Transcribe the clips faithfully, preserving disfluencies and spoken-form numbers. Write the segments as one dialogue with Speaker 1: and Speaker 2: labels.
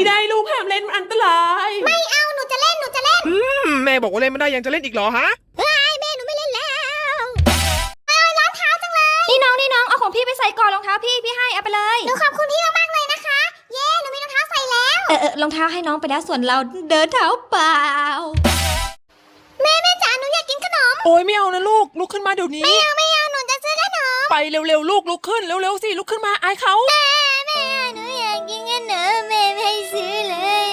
Speaker 1: ได้ลูกห้ามเล่นมันอันตราย
Speaker 2: ไม่เอาหนูจะเล่นหนูจะเล่น
Speaker 3: อืมแม่บอกว่าเล่นไม่ได้ยังจะเล่นอีกเหรอฮะ
Speaker 2: เฮ้ยแม่หนูไม่เล่นแล้วเอ้ยรองเท้าจังเลยนี่น้องนี่น้องเอาของพี่ไปใส่ก่อนรองเท้าพี่พี่ให้เอาไปเลยหนูขอบคุณพี่มากๆเลยนะคะเย้หนูมีรองเท้าใส่แล้วเออเออรองเท้าให้น้องไปแล้วส่วนเราเดินเท้าเปล่าแม่แม่จ๋าหนูอยากกินขนม
Speaker 1: โอ้ยไม่เอานะลูกลุกขึ้นมาเดี๋ยวนี้
Speaker 2: ไม่เอาไม่เอาหนูจะซื้อขนม
Speaker 1: ไปเร็วๆลูกลุกขึ้นเร็วๆสิลุกขึ้นมาอายเขา
Speaker 2: แม่แม่หนูอยากกินขนมแม่ไม่ให้ซื้อเลย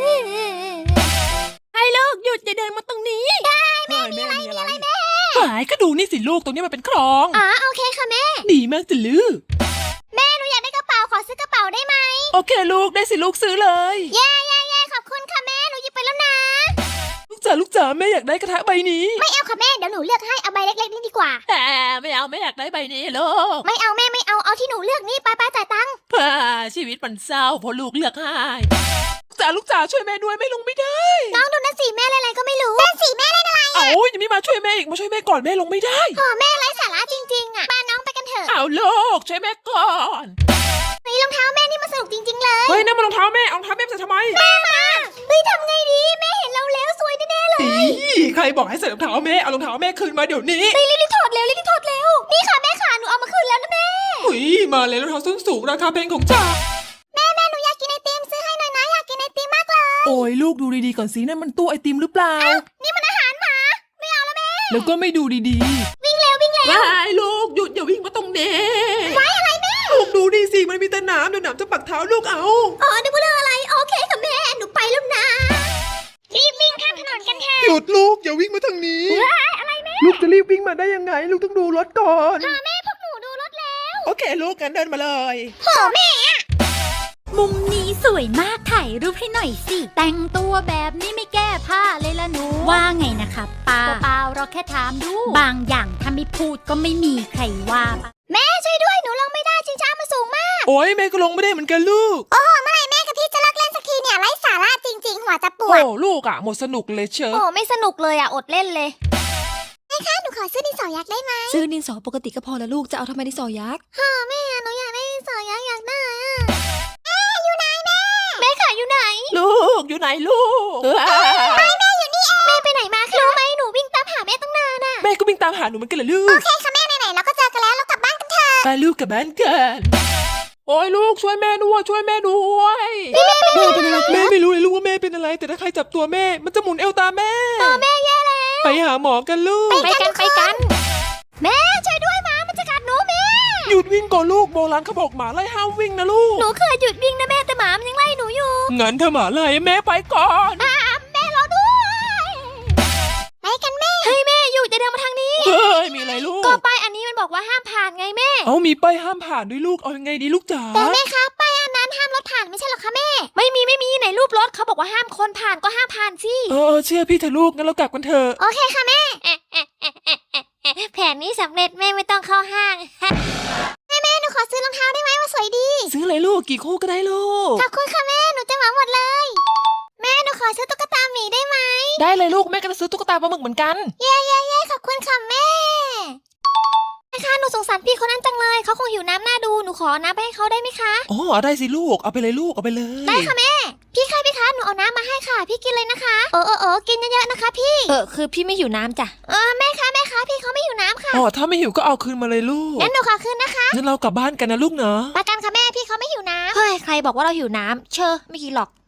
Speaker 1: ให้ลูกหยุดอย่าเดินมาตรงนี้
Speaker 2: ได้แม่มีอะไรมีอะไรแม่
Speaker 1: หายก็ดูนี่สิลูกตรงนี้มันเป็นคลอง
Speaker 2: อ๋อโอเคค่ะแม่
Speaker 1: ดีมากจ้ะลูก
Speaker 2: แม่หนูอยากได้กระเป๋าขอซื้อกระเป๋าได้ไหม
Speaker 1: โอเคลูกได้สิลูกซื้อเลย
Speaker 2: เย้เย้เย้ขอบคุณค่ะแม่หนูหยิบไปแล้วนะ
Speaker 1: ลูกจ๋าลูกจ๋าแม่อยากได้กระทะใบนี้
Speaker 2: ไม่เอาค่ะแม่เดี๋ยวหนูเลือกให้เอาใบเล็กๆนี่ดีกว่า
Speaker 1: แหมไม่เอาไม่อยากได้ใบนี้ลูก
Speaker 2: ไม่เอาแม่ไม่เอาเอาที่หนูเลือกนี่ไปไปจ่ายตังค์
Speaker 1: ชีวิตมันเศร้าเพราะลูกเลือกให้จ๋าลูกจ๋าช่วยแม่ด้วยแม่ลงไม่ได้
Speaker 2: น้องดูนั่นสิแม่เล่นอะไรก็ไม่รู้นั่นสิแม่เล่นอะไร
Speaker 1: อ่ะโอ้ยยังไม่มาช่วยแม่อีกมาช่วยแม่ก่อนแม่ลงไม่ได้
Speaker 2: โอ้แม่ไร้สาระจริงๆอ่ะป้าน้องไปกันเถอะ
Speaker 1: เอาลูกช่วยแม่ก่อน
Speaker 2: เฮ้ยรองเท้าแม่นี่มันสนุกจริงๆเลย
Speaker 1: เฮ้ยนั่นมันรองเท้าแม่เอารองเท้าแม่ใส่ทำไม
Speaker 2: แม่มาเฮ้ยทำไงดีแม่เห็นเราแล้วสวยแน่ๆเลย
Speaker 1: ใครบอกให้ใส่รองเท้าแม่เอารองเท้าแม่คืนมาเดี๋ยวนี้
Speaker 2: เฮ้ยรีบๆถอดเร็วรีบๆถอดเร็วนี่ค่ะแม่ขาหนูเอามาคืนแล้วนะแม่
Speaker 1: เฮ้ยมาเลยรองเท้าส้นสูงราคาแพงของจ๋า
Speaker 2: แม่แม่หนูอยากกินไอติมซื้อให้หน่อยนะอยากกินไอติมมากเลย
Speaker 1: โอ้ยลูกดูดีๆก่อนสินั่นมันตู้ไอติมหรือเปล่า
Speaker 2: นี่มันอาหารหมาไม่เอาแล้วแม่
Speaker 1: แล้วก็ไม่ดูดี
Speaker 2: ๆวิ่งเร็ววิ่งเร็ว
Speaker 1: ว้ายลูกหยุดอย่าวิ่งมาตรงนี้
Speaker 2: ว้ายอะไรแม่
Speaker 1: ลูกดูดีสิมันมีแต่น้ำเดี๋ยวน้ำจะปักเท้าลูกเอา
Speaker 2: อ๋อนึกว่าเรื่องอะไรโอเคค่ะแม่หนูไปแล้วนะรีบวิ่งข้ามถนนกันเถอะ
Speaker 1: หยุดลูกอย่าวิ่งมาทางนี้
Speaker 2: อะไรแม่
Speaker 1: ลูกจะรีบวิ่งมาได้ยังไงลูกต้องดูรถก่อน
Speaker 2: ค่ะแม่พวกหนูดูรถแล้ว
Speaker 1: โอเคลูกกันเดินมาเลย
Speaker 2: โหแม่มุมนี้สวยมากถ่ายรูปให้หน่อยสิแต่งตัวแบบนี้ไม่แก้ผ้าเลยล่ะหนูว่าไงนะคะป้าเปล่าเราแค่ถามดูบางอย่างถ้าไม่พูดก็ไม่มีใครว่าแม่ช่วยด้วยหนูลงไม่ได้ชิงช้ามันสูงมาก
Speaker 1: โอ้ยแม่ก็ลงไม่ได้เหมือนกันลูก
Speaker 2: โอ้เมื่อไหร่แม่กับพี่จะเลิกเล่นสักทีเนี่ยไร้สาระจริงๆหัวจะปวด
Speaker 1: โอ้ลูกอ่ะหมดสนุกเลยเชียว
Speaker 2: โอ้ไม่สนุกเลยอ่ะอดเล่นเลยแม่คะหนูขอซื้อดินสอยักษ์ได้ไหม
Speaker 1: ซื้อดินสอปกติก็พอแล้วลูกจะเอาทำไมดินสอยักษ์
Speaker 2: ฮ่าแม่หนูอยากได้ดินสอยักษ์อยากได้อ่ะแม่อยู่ไหนแม่แม่ค่ะอยู่ไหน
Speaker 1: ลูกอยู่ไหนลูก
Speaker 2: ไปแม่อยู่นี่เองแม่ไปไหนมาคะรู้ไหมหนูวิ่งตามหาแม่ตั้งนานอ่ะ
Speaker 1: แม่ก็วิ่งตามหาหนูเหมือนกันเหรอลูก
Speaker 2: โอเคค่ะแม่ไหนๆเราก็เจอกันแล้วเรากลับบ้านกันเถอะ
Speaker 1: ไปลูกกลับบ้านกันโอ้ยลูกช่วยแม่ด้วยช่วยแม่ด้วย
Speaker 2: แม่เป็นอะไร
Speaker 1: แม่ไม่รู้เลยลูกว่าแม่เป็นอะไรแต่ถ้าใครจับตัวแม่มันจะหมุนเอวตามแม่
Speaker 2: เออแม่แย่แล้ว
Speaker 1: ไปหาหมอกันลูก
Speaker 2: ไปกันไปกันแม่ช่วยด้วยหมามันจะกัดหนูแม่
Speaker 1: หยุดวิ่งก่อนลูกโบราณเขาบอกหมาไล่ห้ามวิ่งนะลูก
Speaker 2: หนูเคยหยุดวิ่งนะแม่แต่หมามันยังไล่หนูอยู่
Speaker 1: งั้นถ้าหมาไล่แม่ไปก่อน
Speaker 2: อ่าแม่รอด้วยไปกันแม่เฮ้ยแม่หยุดจะเดินมาทางนี้
Speaker 1: เฮ้ยมีอะไรลูก
Speaker 2: ก็ป้ายอันนี้มันบอกว่าห้ามผ่านไงแม่
Speaker 1: เอามีป้ายห้ามผ่านด้วยลูกเอายังไงดีลูกจ๋า
Speaker 2: แต่แม่คะป้ายอันนั้นห้ามรถผ่านไม่ใช่หรอคะแม่ไม่มีไม่มีไหนรูปรถเขาบอกว่าห้ามคนผ่านก็ห้ามผ่านสิ
Speaker 1: เออเชื่อพี่เถอะลูกงั้นเรากลับกันเถอะ
Speaker 2: โอเคค่ะแม่แผนนี้สำเร็จแม่ไม่ต้องเข้าห้างแม่แม่หนูขอซื้อรองเท้าได้ไหมว่าสวยดี
Speaker 1: ซื้อเลยลูกกี่คู่ก็ได้ลูก
Speaker 2: ขอบคุณค่ะแม่หนูจะเหมาหมดเลยแม่หนูขอซื้อตุ๊กตาหมีได้ไหม
Speaker 1: ได้เลยลูกแม่ก็จะซื้อตุ๊กตาปลาหมึกเหมือนกัน
Speaker 2: เย้เย้เย้ขอบคุณค่ะแม่นะคะหนูสงสารพี่คนนั้นจังเลยเขาคงหิวน้ำหน้าดูหนูขอน้ำไปให้เขาได้ไหมคะ
Speaker 1: อ๋อได้สิลูกเอาไปเลยลูกเอาไปเลย
Speaker 2: ได้ค่ะแม่พี่คะพี่คะหนูเอาน้ำมาให้ค่ะพี่กินเลยนะคะเออเออเออกินเยอะๆนะคะพี่
Speaker 1: เออคือพี่ไม่หิวน้ำจ้ะ
Speaker 2: เออแม่คะแม่คะพี่เขาไม่หิวน้ำค่ะ
Speaker 1: อ๋อถ้าไม่หิวก็เอาคืนมาเลยลูก
Speaker 2: งั้นหนูขอคืนนะคะ
Speaker 1: งั้นเรากลับบ้านกันนะลูกเนาะ
Speaker 2: ประกันค่ะแม่พี่เขาไม่หิวน้ำเฮ้ยใครบอกว่าเราหิวน้ำเชอไม่กินหรอก